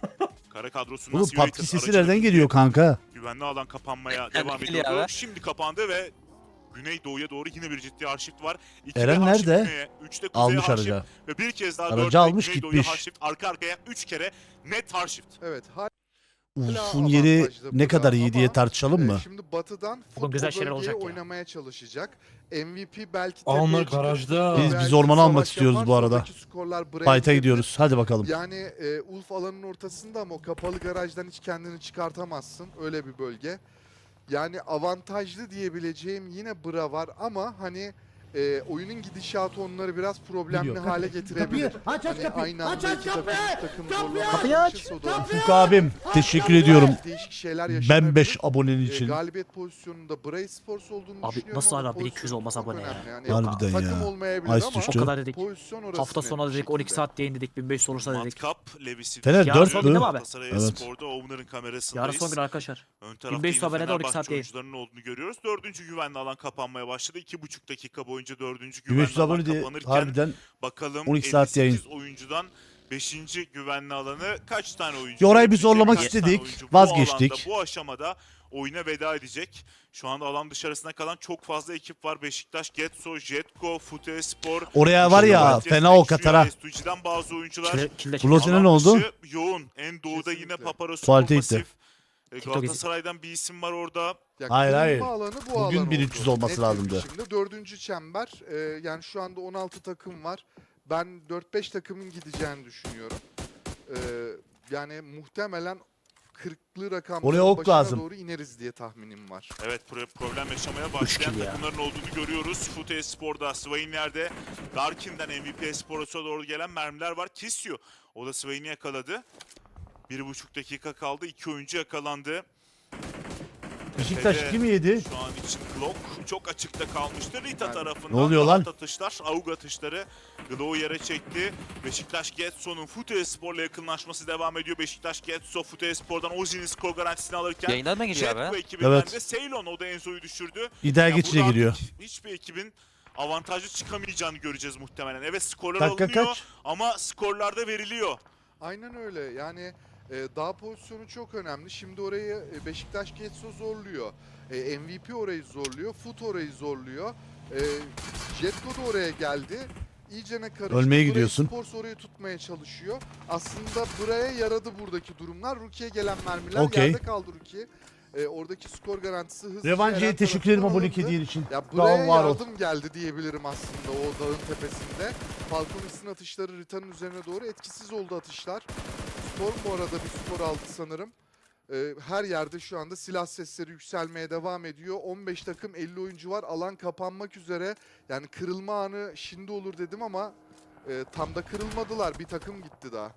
S3: Kara kadrosundan
S2: Oğlum
S3: Siveritas
S2: P U B G sesi
S3: aracını
S2: nereden geliyor kanka?
S3: güvenli alan kapanmaya
S7: Nereden
S3: devam
S7: geliyor
S3: ediyordu.
S7: abi?
S3: Şimdi kapandı ve Güneydoğu'ya doğru yine bir ciddi arşift var. İkide
S2: Eren
S3: arşift
S2: nerede?
S3: güneye, üçte kuzeye
S2: Almış
S3: arşift
S2: araca.
S3: ve bir kez daha
S2: Aracı
S3: dörtte
S2: almış,
S3: Güneydoğu'ya
S2: gitmiş.
S3: arşift. Arka arkaya üç kere net arşift.
S1: Evet. Hala
S2: Uf'un yeri
S1: avantajlı
S2: ne kadar
S1: Bra
S2: iyi diye
S1: ama,
S2: tartışalım
S1: e,
S2: mı?
S1: Şimdi batıdan
S6: Bugün
S1: futbol
S6: güzel şeyler
S1: bölgeye
S6: olacak ya.
S1: oynamaya çalışacak. M V P belki
S4: Aa, onlar
S1: tepeye çıkıp
S4: garajda.
S2: Biz-
S1: belki
S2: biz ormana almak
S1: savaş
S2: istiyoruz bu
S1: yaparsa
S2: arada.
S1: oradaki skorlar Bra'ya
S2: Fight'a
S1: gidebilir.
S2: gidiyoruz. Hadi bakalım.
S1: Yani e, Ulf alanın ortasında ama o kapalı garajdan hiç kendini çıkartamazsın. Öyle bir bölge. Yani avantajlı diyebileceğim yine Bra var ama hani e, oyunun gidişatı onları biraz problemli
S2: Gidiyor.
S1: hale getirebilir.
S2: Kapıyı aç, aç
S1: Hani
S2: kapıyı.
S1: aynı anda
S2: Aç, aç
S1: iki takım,
S2: kapıyı.
S1: üç takım
S2: Kapıyı
S1: zorlamaya
S6: Kapıyı aç.
S1: çalışırsa o da
S2: Ufuk abim teşekkür ediyorum.
S1: değişik şeyler yaşanabilir.
S2: Ben beş abonen
S1: E,
S2: için.
S1: galibiyet pozisyonunda Bra Sports olduğunu
S6: Abi
S1: düşünüyorum
S6: nasıl
S1: ama
S6: hala bin iki yüz
S1: pozisyon
S6: olmaz
S1: çok
S6: abone ya?
S1: önemli. Yani
S2: Harbiden
S1: takım
S2: ya.
S1: olmayabilir
S2: Ice
S1: ama
S2: düştü.
S6: O kadar dedik.
S1: pozisyon orası
S6: Hafta
S1: net
S6: sonu
S1: bir
S6: dedik on iki
S1: şekilde.
S6: saat yayın dedik bin beş yüz olursa dedik.
S3: Matkap, Levis'i
S2: Fener
S3: Yarın
S2: dört
S3: son
S2: mü?
S3: gün
S6: Abi.
S3: Galatasaray
S2: Evet.
S3: Spor'da Owner'ın
S6: Yarın
S3: kamerasındayız.
S6: son gün arkadaşlar.
S3: Ön tarafta
S6: beş yüz
S3: yine
S6: abonede on iki saat
S3: Fenerbahçe
S6: yayın.
S3: oyuncularının olduğunu görüyoruz. Dördüncü güvenli alan kapanmaya başladı. İki buçuk dakika boyunca dördüncü
S2: bin beş yüz
S3: güvenli alan
S2: abone diye
S3: kapanırken
S2: harbiden
S3: bakalım
S2: on iki saat yayın.
S3: elli sekiz oyuncudan beşinci güvenli alanı kaç tane oyuncu?
S2: Ya orayı bir
S3: gelecek?
S2: zorlamak
S3: Kaç tane
S2: istedik,
S3: oyuncu bu
S2: vazgeçtik.
S3: alanda, bu aşamada oyuna veda edecek. Şu anda alan dışarısına kalan çok fazla ekip var. Beşiktaş, Getso, Jetco, Futespor.
S2: oraya var ya
S3: Fenerbahçe,
S2: fena o
S3: Sexuya,
S2: katara.
S3: S two G'den bazı oyuncular.
S6: Kilde, kilde
S2: Blosine
S3: Alan
S2: ne oldu?
S3: dışı yoğun. En doğuda yine
S1: Kesinlikle.
S3: Paparos,
S2: Tuvalete gitti.
S3: Kompasif. E,
S6: TikTok
S3: Galatasaray'dan bir isim var orada.
S1: Ya
S2: Hayır,
S1: kırılma
S2: hayır.
S1: alanı bu
S2: Bugün
S1: alan
S2: bin
S1: oldu.
S2: üç yüz olması
S1: Net bir
S2: lazımdı.
S1: biçimde. Dördüncü çember. e, yani şu anda on altı takım var. Ben dört beş takımın gideceğini düşünüyorum. E, yani muhtemelen kırklı rakamların
S2: Oraya ok
S1: başına
S2: lazım.
S1: doğru ineriz diye tahminim var.
S3: Evet pro- problem yaşamaya
S6: Üç
S3: başlayan
S6: kill ya.
S3: takımların olduğunu görüyoruz. Fute Spor'da Swain'lerde Darkin'den M V P Spor'a doğru gelen mermiler var. Kisio o da Swain'i yakaladı. Bir buçuk dakika kaldı. İki oyuncu yakalandı.
S2: Beşiktaş
S3: Tepede
S2: kim yedi?
S3: Şu an için Glock çok açıkta kalmıştı. Rita
S1: Yani,
S3: tarafından
S2: ne oluyor
S3: rahat
S2: lan?
S3: atışlar, avuk atışları Glock'u yere çekti. Beşiktaş Getso'nun Fute Spor'la yakınlaşması devam ediyor. Beşiktaş Getso Fute Spor'dan Ozi'nin skor garantisini alırken
S7: Yayından mı giriyor
S3: Jetco
S7: abi?
S3: ekibinden
S2: Evet.
S3: de Ceylon o da Enzo'yu düşürdü.
S2: İddia
S3: Yani
S2: geçice
S3: burada
S2: giriyor.
S3: artık hiçbir ekibin avantajlı çıkamayacağını göreceğiz muhtemelen. Evet skorlar
S2: Dakika
S3: alınıyor
S2: kaç?
S3: ama skorlar da veriliyor.
S1: Aynen öyle. Yani e, dağ pozisyonu çok önemli. Şimdi orayı e, Beşiktaş Getso zorluyor. E, M V P orayı zorluyor. Fut orayı zorluyor. E, Jetco da oraya geldi. İyice ne karıştı.
S2: Ölmeye
S1: Burayı
S2: gidiyorsun.
S1: Sports orayı tutmaya çalışıyor. Aslında buraya yaradı buradaki durumlar. Ruki'ye gelen mermiler
S2: Okey.
S1: yerde kaldı Ruki. E, oradaki skor garantisi hızlıca
S2: Revancı'ya
S1: Eren
S2: teşekkür ederim
S1: tarafından
S2: abonelik
S1: alındı.
S2: hediyen için.
S1: Ya
S2: Sağ
S1: buraya
S2: ol, var ol.
S1: yardım geldi diyebilirim aslında o dağın tepesinde. Falconis'in atışları Rita'nın üzerine doğru etkisiz oldu atışlar. Storm bu arada bir skor aldı sanırım. Ee, her yerde şu anda silah sesleri yükselmeye devam ediyor. on beş takım, elli oyuncu var. Alan kapanmak üzere. Yani kırılma anı şimdi olur dedim ama e, tam da kırılmadılar. Bir takım gitti daha.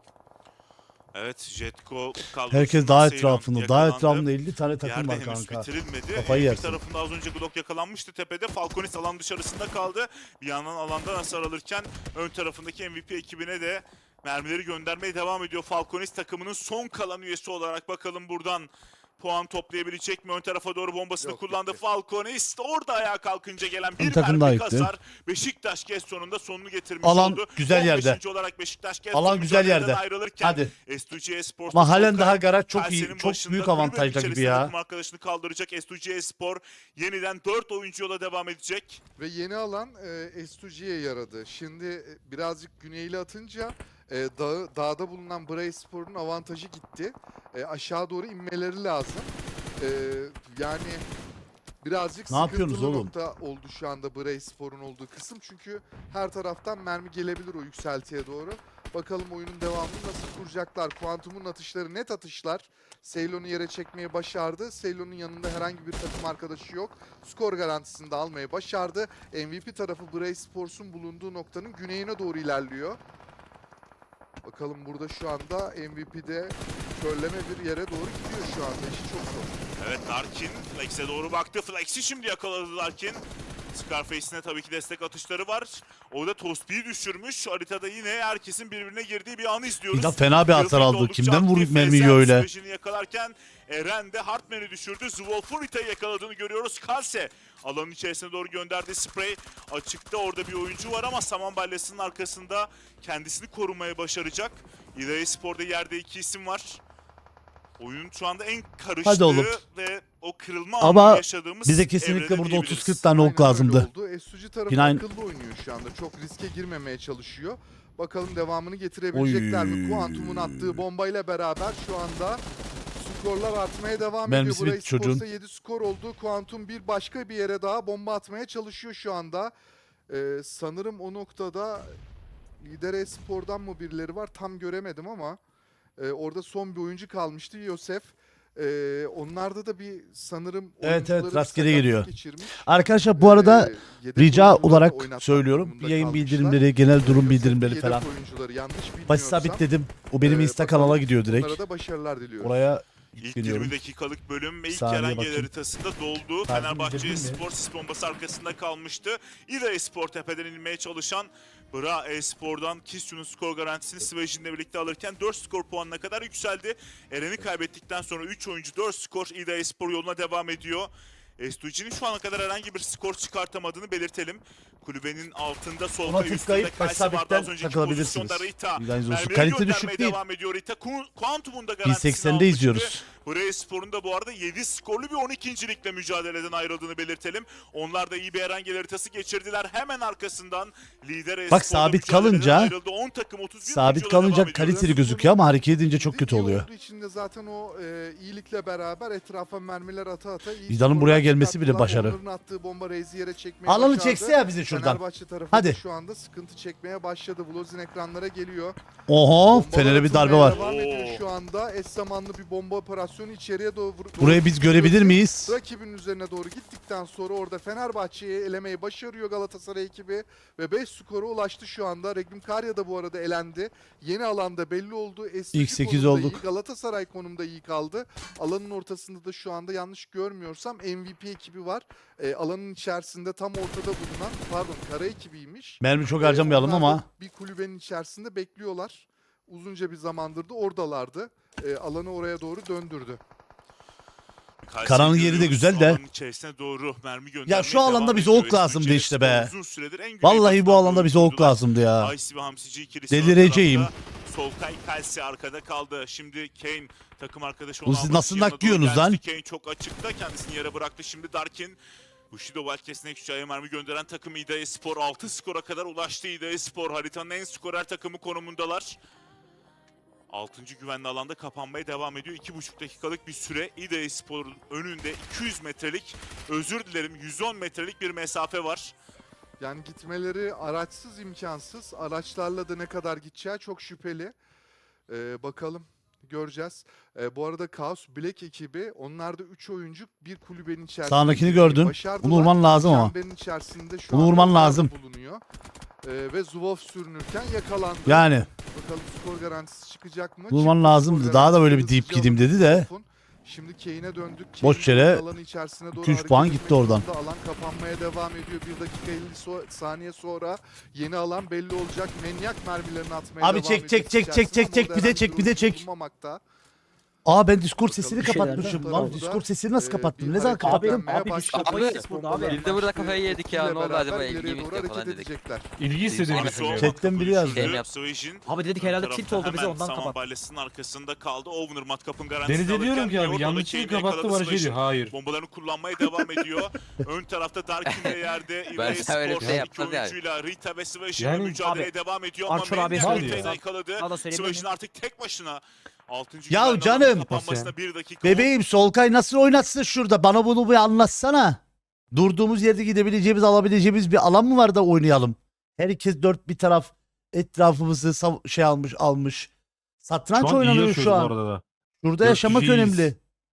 S3: Evet, Jetco kadrosundan
S2: Herkes daha
S3: Seyron
S2: etrafında. Daha
S3: yakalandı.
S2: etrafında elli tane takım
S3: Yerde
S2: var
S3: henüz
S2: kanka.
S3: bitirilmedi.
S2: Kafayı
S3: Ee, bir
S2: yersin.
S3: tarafında az önce Glock yakalanmıştı tepede. Falconis alan dışarısında kaldı. Bir yandan alandan hasar alırken ön tarafındaki M V P ekibine de mermileri göndermeye devam ediyor. Falconis takımının son kalan üyesi olarak bakalım buradan puan toplayabilecek mi? Ön tarafa doğru bombasını
S1: Yok,
S3: kullandı
S1: gitti.
S3: Falconis. Orada ayağa kalkınca gelen
S2: Bir
S3: bir
S2: takım daha
S3: mermi
S2: gitti.
S3: hasar. Beşiktaş G S sonunda sonunu getirmiş
S2: Alan
S3: oldu.
S2: güzel
S3: on
S2: yerde.
S3: beşinci olarak Beşiktaş G S
S2: Alan
S3: son
S2: güzel
S3: mücadeleden
S2: yerde.
S3: ayrılırken
S2: Hadi.
S3: S iki G Espor
S2: Ama halen daha garaj çok iyi.
S3: Kalse'nin
S2: Çok
S3: başında
S2: büyük
S3: kulübenin
S2: avantajda gibi
S3: içerisinde
S2: ya.
S3: takım arkadaşını kaldıracak. S iki G Spor yeniden dört oyuncu yola devam edecek.
S1: Ve yeni alan e, S iki G'ye yaradı. Şimdi e, birazcık güneyli atınca e, dağı, dağda bulunan Bray Spor'un avantajı gitti. E, aşağı doğru inmeleri lazım. E, yani birazcık
S2: Ne yapıyorsunuz
S1: sıkıntılı
S2: oğlum?
S1: nokta oldu şu anda Bray Spor'un olduğu kısım. Çünkü her taraftan mermi gelebilir o yükseltiye doğru. Bakalım oyunun devamını nasıl kuracaklar. Kuantum'un atışları net atışlar. Ceylon'u yere çekmeyi başardı. Ceylon'un yanında herhangi bir takım arkadaşı yok. Skor garantisini de almayı başardı. M V P tarafı Bray Sports'un bulunduğu noktanın güneyine doğru ilerliyor. Bakalım burada şu anda M V P'de körleme bir yere doğru gidiyor şu anda. İşi çok zor.
S3: Evet, Darkin Flex'e doğru baktı. Flex'i şimdi yakaladı Darkin. Scarface'ine tabii ki destek atışları var. Orada Tospi'yi düşürmüş. Haritada yine herkesin birbirine girdiği bir anı izliyoruz.
S2: Bir de fena bir hasar
S3: Battlefield
S2: aldı.
S3: oldukça
S2: Kimden
S3: aktif.
S2: vurup mermiyi
S3: Ezen
S2: öyle?
S3: sürecini yakalarken Eren de Hartman'ı düşürdü. Zwolfurita'yı yakaladığını görüyoruz. Kalse alanın içerisine doğru gönderdi spray. Açıkta orada bir oyuncu var ama saman balyasının arkasında kendisini korumaya başaracak. İdaya Spor'da yerde iki isim var. Oyunun şu anda en karıştığı
S2: Hadi oğlum.
S3: ve o kırılma
S2: Ama
S3: anını yaşadığımız
S2: bize kesinlikle
S3: evrede
S2: burada
S3: diyebiliriz.
S2: otuz kırk tane ok
S1: Aynen
S2: lazımdı.
S1: öyle oldu. S U G tarafı
S2: Yine aynı-
S1: akıllı oynuyor şu anda. Çok riske girmemeye çalışıyor. Bakalım devamını getirebilecekler mi?
S2: Oy.
S1: Kuantum'un attığı bombayla beraber şu anda skorlar artmaya devam
S2: Mermisi
S1: ediyor.
S2: bitti
S1: Burayı
S2: çocuğun.
S1: Sports'a yedi skor oldu. Kuantum bir başka bir yere daha bomba atmaya çalışıyor şu anda. Ee, sanırım o noktada Lider Espor'dan mı birileri var tam göremedim ama e, orada son bir oyuncu kalmıştı Yosef. Ee, onlarda da bir sanırım
S2: Evet, evet,
S1: oyuncuları bir
S2: rastgele
S1: sakatlık
S2: geliyor.
S1: geçirmiş.
S2: Arkadaşlar bu arada
S1: Ee, yedek
S2: rica
S1: oyuncuları da
S2: olarak
S1: oynatmak
S2: söylüyorum.
S1: durumunda
S2: Yayın
S1: kalmışlar.
S2: bildirimleri, genel durum
S1: Yosef
S2: bildirimleri
S1: yedek
S2: falan.
S1: oyuncuları yanlış bilmiyorsam.
S2: Başı sabitledim. O benim
S1: Ee,
S2: Insta
S1: bakalım,
S2: kanala gidiyor direkt.
S1: Onlara da başarılar diliyoruz.
S2: Oraya
S3: İlk
S2: yükleniyorum.
S3: yirmi dakikalık bölüm ve ilk
S2: Saniye
S3: Erengel
S2: bakayım.
S3: haritasında doldu.
S2: Takip
S3: Fenerbahçe
S2: edebildin mi?
S3: Spor sis bombası arkasında kalmıştı. İda Espor tepeden inmeye çalışan Bra Espor'dan Kisyu'nun skor garantisini Svejin'le birlikte alırken dört skor puanına kadar yükseldi. Eren'i kaybettikten sonra üç oyuncu dört skor İda Espor yoluna devam ediyor. S iki G'nin şu ana kadar herhangi bir skor çıkartamadığını belirtelim. Kulübenin altında solda
S2: Ona
S3: üstünde
S2: tıklayıp
S3: Kalse vardı
S2: sabitten
S3: az önceki
S2: takılabilirsiniz.
S3: pozisyonda Rita.
S2: Bilginiz olsun.
S3: Mermileri
S2: Kalite
S3: göndermeye
S2: düşük değil.
S3: devam ediyor Rita. Ku- Kuantum'un da
S2: bin
S3: garantisini
S2: seksende
S3: almıştı.
S2: izliyoruz.
S3: Buraya Spor'un da bu arada yedi skorlu bir on ikincilikle mücadeleden ayrıldığını belirtelim. Onlar da iyi bir Erengel haritası geçirdiler. Hemen arkasından lider
S2: Bak,
S3: Espor'da
S2: sabit
S3: mücadeleden
S2: kalınca-
S3: ayrıldı. on takım otuz bir
S2: Sabit
S3: oyuncuya devam
S2: kalınca
S3: ediyor.
S2: kaliteli gözüküyor ama hareket edince çok
S1: Dediğim
S2: kötü
S1: gibi
S2: oluyor.
S1: olduğu için de zaten o e, iyilikle beraber etrafa mermiler ata ata iyi
S2: Vida'nın
S1: skorlar
S2: buraya gelmesi bile
S1: çıkarttılar.
S2: başarı.
S1: Onların attığı bomba Reis'i yere çekmeye
S2: Alanı
S1: başardı.
S2: çekse ya bizi şuradan.
S1: Fenerbahçe tarafı
S2: Hadi.
S1: da şu anda sıkıntı çekmeye başladı. Vlozin ekranlara geliyor.
S2: Oho,
S1: Bombalar
S2: Fener'e bir darbe
S1: atılmaya
S2: var.
S1: Devam
S3: Oo.
S1: ediyor şu anda. Eş zamanlı bir bomba operasyonu içeriye doğru.
S2: Burayı biz görebilir miyiz?
S1: Rakibin üzerine doğru gittikten sonra orada Fenerbahçe'yi elemeyi başarıyor Galatasaray ekibi ve beş skora ulaştı şu anda. Regim Karya da bu arada elendi. Yeni alanda belli oldu. S G
S2: İlk sekiz
S1: konumda
S2: olduk.
S1: iyi, Galatasaray konumda iyi kaldı. Alanın ortasında da şu anda yanlış görmüyorsam M V P ekibi var. E, alanın içerisinde tam ortada bulunan, pardon, kara ekibiymiş.
S2: Mermi çok
S1: E,
S2: harcamayalım
S1: onlar da
S2: ama
S1: bir kulübenin içerisinde bekliyorlar. Uzunca bir zamandır da oradalardı. E, alanı oraya doğru döndürdü.
S3: Kayseri
S2: Karanın yeri de
S3: görüyoruz.
S2: güzel de.
S3: Alanın içerisine doğru mermi göndermeye
S2: ya şu alanda
S3: devam
S2: bize
S3: ediyor.
S2: ok lazımdı
S3: S iki G
S2: işte be.
S3: Spor uzun süredir en
S2: Vallahi bu
S3: güneybatı
S2: alanda bize ok
S3: oyuncular.
S2: lazımdı ya.
S3: Ice ve Hamsici ikilisi
S2: Delireceğim.
S3: ön tarafta. Solkay Kalsi arkada kaldı. Şimdi Kane takım arkadaşı
S2: Oğlum
S3: onu
S2: siz
S3: almak
S2: nasıl
S3: için yanına
S2: naklıyorsunuz
S3: doğru
S2: lan?
S3: gelmişti. Kane çok açıkta. Kendisini yere bıraktı. Şimdi Darkin. Bushido Wildcats'ine küçüğe mermi gönderen takım İda Espor altı skora kadar ulaştı. İda Espor haritanın en skorer takımı konumundalar. altıncı güvenli alanda kapanmaya devam ediyor. iki buçuk dakikalık bir süre. İda Espor'un önünde iki yüz metrelik, özür dilerim yüz on metrelik bir mesafe var.
S1: Yani gitmeleri araçsız imkansız. Araçlarla da ne kadar gideceği çok şüpheli. Ee, bakalım. göreceğiz. Ee, bu arada Chaos Black ekibi, onlar da üç oyuncu bir kulübenin içerisinde.
S2: Sağındakini
S1: girmeyi
S2: gördün.
S1: başardılar.
S2: Bunu vurman lazım ama.
S1: Çemberin içerisinde şu
S2: Bunu
S1: anda
S2: vurman
S1: onlar da
S2: lazım.
S1: bulunuyor. Ee, ve Zubov sürünürken yakalandı.
S2: Yani
S1: Bakalım skor garantisi çıkacak mı?
S2: vurman
S1: Çıktı
S2: lazımdı.
S1: skor
S2: Daha da böyle
S1: garantisi,
S2: bir deyip
S1: hızlıca
S2: gideyim
S1: alındı
S2: dedi de.
S1: Zubov'un. Şimdi Kane'e döndük.
S2: Boş
S1: Kane
S2: yere
S1: alanı içerisine doğru
S2: iki üç
S1: hareket
S2: puan
S1: etmek
S2: gitti oradan.
S1: zorunda. Alan kapanmaya devam ediyor. Bir dakika elli so- saniye sonra yeni alan belli olacak. Manyak mermilerini atmaya
S2: Abi
S1: devam
S2: çek,
S1: ediyor
S2: çek, çek,
S1: içerisinde
S2: çek, çek,
S1: ama
S2: çek,
S1: orada
S2: bir de
S1: herhangi
S2: çek, bir de
S1: oyuncu
S2: çek.
S1: bulunmamakta.
S2: Aa ben Discord sesini
S5: Bir şeyler
S2: kapatmışım
S1: var.
S2: lan.
S1: Burada,
S2: Discord sesini nasıl
S1: Ee,
S2: kapattım?
S1: bir
S2: Ne zaman
S1: hareket
S2: kapattım?
S1: dönmeye
S5: Abi,
S1: başladı.
S5: Discord
S1: Bombalar
S5: sesi burada abi.
S7: Biz de burada kafayı
S1: başladı.
S7: yedik ya,
S1: Ekiple
S7: ne oldu
S1: beraber
S7: acaba,
S1: ileriye
S7: ilgi mi
S1: doğru
S7: gitti falan
S1: hareket
S7: dedik.
S1: edecekler.
S4: İlgi hissediyorum.
S3: Abi,
S4: mesela.
S2: Chatten biri yazdı.
S7: Game yap.
S3: Swayz'in
S6: Abi dedik
S3: ön
S6: herhalde
S3: tarafta
S6: tilt oldu bize
S3: hemen
S6: ondan
S3: saman
S6: kapat.
S3: balyasının arkasında kaldı. Owner matkapın garantisini
S4: Denize diyorum ki
S3: alırken
S4: abi
S3: Yordo'da
S4: yanlışlıkla
S3: Kane'i
S4: kapattı
S3: yakaladı.
S4: bana şey diyor.
S3: Swayz'in
S4: Hayır.
S3: bombalarını kullanmaya devam ediyor. Ön tarafta Darkin de yerde.
S7: Ben
S3: İlay
S7: sana öyle bir
S3: Spor
S7: şey
S3: iki
S7: yapmaz yani.
S3: oyuncuyla Rita ve Swayz'in
S4: Yani-
S3: mücadeleye
S6: Abi,
S3: devam ediyor ama
S6: Archer abiye
S3: Manyak
S4: söyleyeyim.
S3: Rita'yı yakaladı.
S6: Daha da söyleyebilir
S3: Swayz'in
S6: miyim?
S3: artık tek başına. altıncı
S2: Ya
S3: güvenli
S2: canım.
S3: alanın kapanmasına bir dakika.
S2: Bebeğim Solkay nasıl oynatsın şurada? Bana bunu bir anlatsana. Durduğumuz yerde gidebileceğimiz, alabileceğimiz bir alan mı var da oynayalım? Herkes dört bir taraf etrafımızı sav- şey almış almış. Satranç
S4: Şu an iyi
S2: oynanıyor
S4: yaşıyoruz
S2: şu
S4: bu
S2: an.
S4: arada da.
S2: Burada
S4: Dört
S2: yaşamak
S4: kişiyiz.
S2: önemli.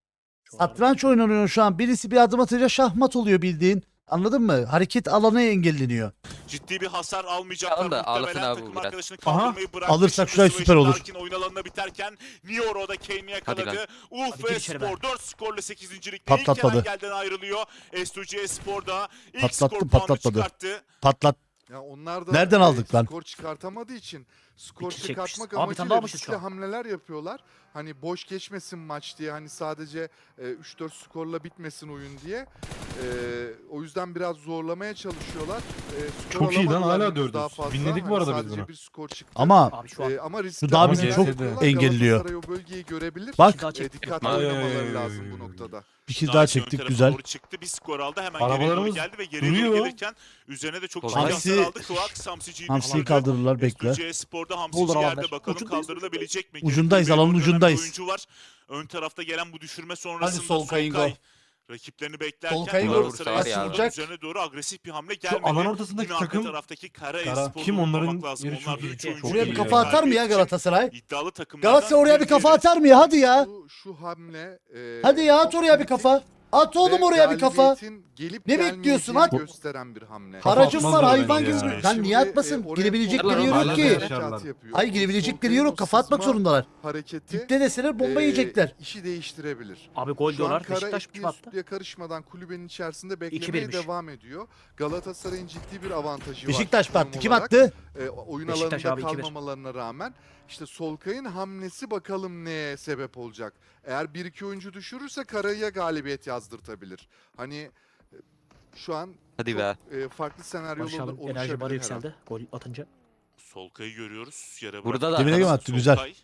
S2: Satranç oynanıyor şu an. Birisi bir adım atınca şahmat oluyor bildiğin. Anladın mı? Hareket alanı engelleniyor.
S3: Ciddi bir hasar almayacaklar.
S7: Alın da ağlasın
S3: Muhtemelen
S7: abi bu
S3: takım
S7: biraz.
S3: arkadaşını
S4: Aha.
S3: kaldırmayı bıraktı.
S2: Alırsak
S3: Şimdi
S2: şurayı
S3: Swayze
S2: süper olur.
S3: Darkin oyun alanına biterken Nioro'da Kane'i yakaladı.
S7: Hadi
S3: Uf
S6: Hadi
S3: ve
S6: gir içeri be.
S3: Spor dört skorla sekizinci ligde
S2: Patlatmadı.
S3: ilk Erengel'den ayrılıyor. S iki G Spor'da ilk
S2: Patlattım,
S3: skor puanını
S2: patlatmadı.
S3: çıkarttı.
S2: Patlat.
S1: Ya onlar da
S2: Nereden
S1: e,
S2: aldık lan?
S1: skor çıkartamadığı için skor
S6: İki çekmişiz.
S1: çıkartmak
S6: Abi, bir tane daha
S1: amacıyla
S6: almışız şu
S1: riskli
S6: an.
S1: hamleler yapıyorlar. Hani boş geçmesin maç diye, hani sadece e, üç dört skorla bitmesin oyun diye. E, o yüzden biraz zorlamaya çalışıyorlar. E, skor
S4: Çok iyi lan,
S1: alamadılar
S4: hala
S1: henüz
S4: dördüz.
S1: daha fazla.
S4: Winledik bu
S1: Hani
S4: arada biz
S1: sadece
S4: bunu.
S1: bir skor çıktı.
S2: Ama
S6: Abi şu an
S1: E, ama riskli
S2: daha
S4: bizi
S1: hamleler
S4: çok
S1: yapıyorlar.
S2: engelliyor.
S1: Galatasaray o bölgeyi görebilir.
S2: Bak.
S6: Bir daha
S1: E,
S6: çektim.
S1: dikkatli
S4: Ay, ay,
S1: oynamaları
S4: ay,
S1: lazım
S4: ay,
S1: bu
S4: ay.
S1: noktada.
S2: Bir kill
S3: Daha
S2: daha
S3: ön
S2: çektik
S3: tarafa
S2: güzel.
S3: Doğru çıktı. Bir skor aldı. Hemen geriye doğru
S4: Arabalarımız
S3: geldi ve geriye doğru
S4: duruyor.
S3: gelirken üzerine de çok ciddi
S7: Hamsi-
S3: hasar aldı. Kıvak Hamsici'yi
S2: Hamsiyi
S3: düşürdü.
S2: kaldırırlar bekle.
S3: S iki G Spor'da Hamsici
S6: Olur
S3: yerde
S6: alanlar.
S3: bakalım
S6: Ucundayız,
S3: kaldırılabilecek mi?
S2: Ucundayız,
S3: Geride
S2: alanın
S3: bir oynayan bir
S2: ucundayız.
S3: oyuncu var. Ön tarafta gelen bu düşürme sonrasında
S2: Solkay'ın
S3: Solkay
S2: gol.
S3: rakiplerini beklerken
S2: Solkay'ın
S7: gol.
S3: Galatasaray
S7: Vursa var ya.
S3: Spor'un üzerine doğru agresif bir hamle
S4: Şu
S3: gelmedi.
S4: alan ortasındaki
S3: Yine arka
S4: takım
S3: taraftaki Kara
S2: Kara.
S3: Espor'u
S4: Kim onların
S3: unutmamak lazım.
S4: yeri çok
S3: Onlar da
S4: iyi.
S3: üç
S6: Çok
S3: oyuncu
S2: Buraya bir
S3: ile
S2: kafa atar mı ya
S3: galibiyet için
S2: Galatasaray?
S3: İddialı takımlardan
S2: Galatasaray oraya bir
S3: biri
S2: kafa
S3: diğeri.
S2: atar mı ya? Hadi ya.
S1: Şu, şu hamle e,
S2: Hadi ya at
S1: çok
S2: oraya bir
S1: kritik
S2: kafa. At oğlum
S1: ve
S2: oraya bir kafa.
S1: galibiyetin gelip
S2: Ne bekliyorsun?
S1: gelmeyeceğini
S2: At.
S1: gösteren bir hamle.
S4: Kafa
S2: Haracım var
S4: atmazlar
S2: hayvan
S4: bence
S2: gibi.
S4: ya.
S2: Sen niye
S1: Şimdi,
S2: atmasın?
S1: e, oraya
S2: Girebilecekleri
S1: Solkay'ın
S2: yer yok
S4: Hala
S2: ki.
S4: da
S1: harekat
S4: yaşarlar.
S1: yapıyor.
S2: Hayır
S1: O
S2: girebilecekleri
S1: Solkay'ın
S2: yer
S1: o
S2: yok. Kafa atmak
S1: sızma
S2: zorundalar.
S1: Hareketi
S2: Dipte deseler bomba
S1: e,
S2: yiyecekler.
S1: işi değiştirebilir.
S6: Abi gol
S1: Şu an
S6: diyorlar.
S1: Kara
S6: Beşiktaş
S1: etliye
S6: kim attı?
S1: sütlüye karışmadan kulübenin içerisinde
S6: iki
S1: beklemeye
S6: birmiş.
S1: devam ediyor. Galatasaray'ın ciddi bir avantajı
S2: Beşiktaş
S1: var.
S2: attı.
S1: konum
S2: Kim
S1: olarak.
S2: attı?
S1: E, oyun
S6: Beşiktaş
S1: alanında
S6: abi iki bir.
S1: kalmamalarına rağmen işte Solkay'ın hamlesi bakalım neye sebep olacak. Eğer bir iki oyuncu düşürürse Kara'ya galibiyet yazdırtabilir. Hani e, şu an
S7: Hadi
S1: çok
S7: be.
S1: e, farklı senaryolar
S6: Barış abi enerji
S1: oluşabilir
S6: barı
S1: her an.
S6: yükseldi. Gol atınca.
S3: Solkay'ı görüyoruz. Yere
S7: Burada da
S2: Dibine göm
S7: arkadaşlar.
S2: attı güzel.
S3: Solkay,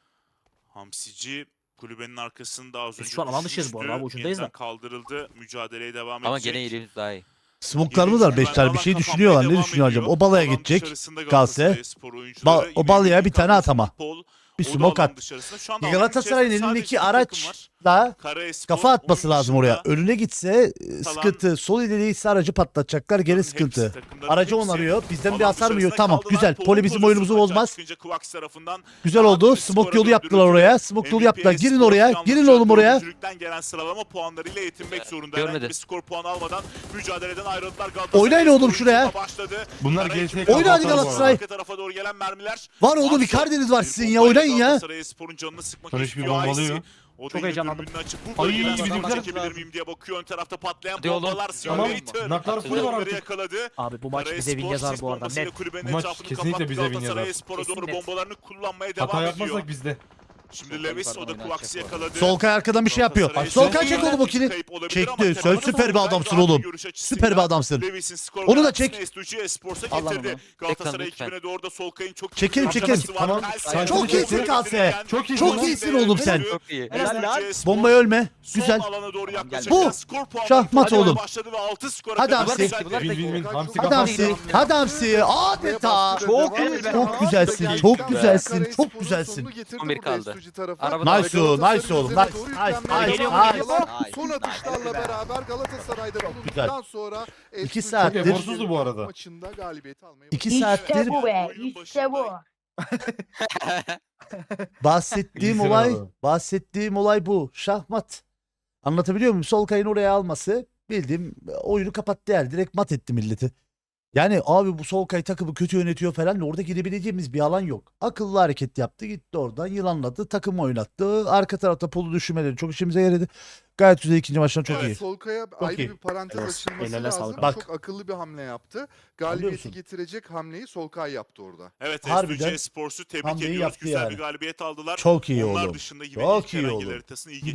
S3: Hamsici kulübenin arkasında az
S6: Biz
S3: önce
S6: şu an alan dışıyız bu arada
S3: düşmüştü.
S6: abi, ucundayız
S3: Yeniden
S6: da.
S3: kaldırıldı. Mücadeleye devam
S7: Ama
S3: edecek.
S7: gene iyiliğimiz daha iyi.
S2: Smoklarımız beş tane bir şey düşünüyorlar. Ne düşünüyor acaba? O balaya gidecek. Kalse. Ba o balaya bir tane atama. Bir smoke at. Galatasaray'ın elindeki araçla kafa atması lazım oraya. Önüne gitse e, sıkıntı. Sol ileriyi ise aracı patlatacaklar. Gene sıkıntı. Aracı onarıyor. Bizden bir hasar mı yiyor? Tamam güzel. Poli bizim oyunumuzu bozmaz. Güzel oldu. Smoke yolu yaptılar oraya. Smoke yolu yaptılar. Girin oraya. Girin oğlum oraya.
S3: gelen sıralama puanlarıyla yetinmek zorunda.
S7: Görmedi.
S3: Herhangi bir skor puanı almadan mücadeleden ayrıldılar. Galatasaray
S2: Oynayın oğlum
S3: oyuncu
S2: şuraya.
S3: Başladı.
S4: Bunlar
S3: Kara
S4: G
S3: ekibi
S4: T
S2: Oyna hadi
S3: kapatıyor bu
S2: Galatasaray.
S3: arada. Arka tarafa doğru gelen mermiler.
S2: Var oğlum
S3: Watson
S2: Icardi'niz var
S3: bir
S2: sizin ya.
S3: bombayla
S2: Oynayın ya.
S3: Galatasarayspor'un canını sıkmak
S4: Barış bir
S3: istiyor
S4: bombalıyor.
S3: Aysi. O da
S6: Çok
S3: yine
S6: heyecanlandım.
S3: dürbününü açıp bu
S4: Ay,
S3: bölgeden
S4: bizimkiler-
S3: sonra çekebilir miyim diye bakıyor. Ön tarafta patlayan
S7: Hadi oğlum.
S3: bombalar.
S4: Tamam.
S3: Simulator.
S4: Naklar full var
S3: Onları
S4: artık.
S3: yakaladı.
S6: Abi bu maç
S3: Kara
S6: bize
S3: Espor
S6: win yazar
S3: sis
S6: bu arada.
S3: bombasıyla
S6: Net.
S3: kulübenin
S4: Bu maç
S3: etrafını
S4: kesinlikle
S3: kapattı.
S4: bize win
S3: Galatasaray
S4: yazar.
S3: Espor'a doğru
S6: Kesin net.
S3: bombalarını kullanmaya
S4: Hata
S3: devam ediyor.
S4: yapmazsak bizde.
S3: Şimdi Levis o da Kuvaks'ı yakaladı.
S2: Solkay arkadan bir şey yapıyor.
S3: Galatasaray
S2: Solkay
S3: Espor'un
S2: çek oğlum o kili.
S3: kayıp olabilir
S2: Çekti.
S3: ama
S2: Sen
S3: temelde
S2: süper bir
S3: Solkay
S2: adamsın
S3: rahat
S2: oğlum.
S3: görüş açısıyla
S2: Süper bir adamsın.
S3: Levis'in skor
S2: Onu da
S3: garantisini
S2: çek.
S3: S iki G Esports'a
S6: Allah
S3: getirdi.
S6: Allah.
S3: Galatasaray
S7: Lütfen,
S3: ekibine doğru da Solkay'ın çok iyi
S2: Çekelim,
S3: bir
S2: çekelim.
S3: açıklaması var.
S4: Tamam.
S3: Kalse-
S2: Çok iyisin Kalse.
S4: Çok iyi.
S2: Çok
S4: lan.
S2: iyisin oğlum sen.
S7: Çok iyi.
S3: Helal lan.
S2: Bombayı ölme.
S3: Son
S2: Güzel.
S3: alana doğru yaklaşırken
S2: Bu.
S3: skor puanı
S2: Şahmat
S3: farkı
S2: oğlum.
S3: başladı ve altı skora
S2: Hadi
S3: kadar
S2: Hamsi.
S3: yükseldi.
S4: Win win win. Hamsi
S2: Hadi
S4: kapat.
S2: Hamsi. Hadi Hamsi. Adeta.
S1: Çok
S2: Çok güzelsin. Çok güzelsin. Çok güzelsin.
S7: on bir kaldı.
S1: Araba
S2: Nice oğlum. Nice oğlum. Nice. Nice. Nice. Nice.
S1: Son atışlarla beraber Galatasaray'da bulunduktan sonra
S2: İki
S1: S iki
S2: saattir-
S4: Çok eforsuzdu bu arada.
S1: maçında galibiyeti almayı
S2: İki
S5: İşte
S2: saattir
S5: bu be. İşte bu.
S2: Bahsettiğim
S4: İyisin
S2: olay,
S4: abi.
S2: bahsettiğim olay bu. Şahmat. Anlatabiliyor muyum? Solkay'ın oraya alması bildiğim oyunu kapattı yani. Direkt mat etti milleti. Yani abi bu Solkay takımı kötü yönetiyor falan. Orada girebileceğimiz bir alan yok. Akıllı hareket yaptı. Gitti oradan yılanladı. Takım oynattı. Arka tarafta polu düşürmeleri çok işimize yaradı. Gayet güzel ikinci maçtan çok
S1: Evet,
S2: iyi.
S1: Solkay'a ayrı
S2: iyi.
S1: bir parantez
S6: Evet,
S1: açılması
S6: eline
S1: lazım.
S6: sağlık.
S2: Bak.
S1: Çok akıllı bir hamle yaptı.
S2: Anlıyor
S1: Galibiyeti
S2: musun?
S1: getirecek hamleyi Solkay yaptı orada.
S3: Evet,
S2: Harbiden
S3: S D G Sports'u tebrik
S2: hamleyi
S3: ediyoruz.
S2: yaptı
S3: Güzel
S2: yani.
S3: bir galibiyet aldılar.
S2: Çok iyi
S3: Onlar
S2: oğlum.
S3: dışında yine
S2: Çok
S3: ilk
S2: iyi
S3: herhangi
S2: oğlum.
S3: haritasını iyi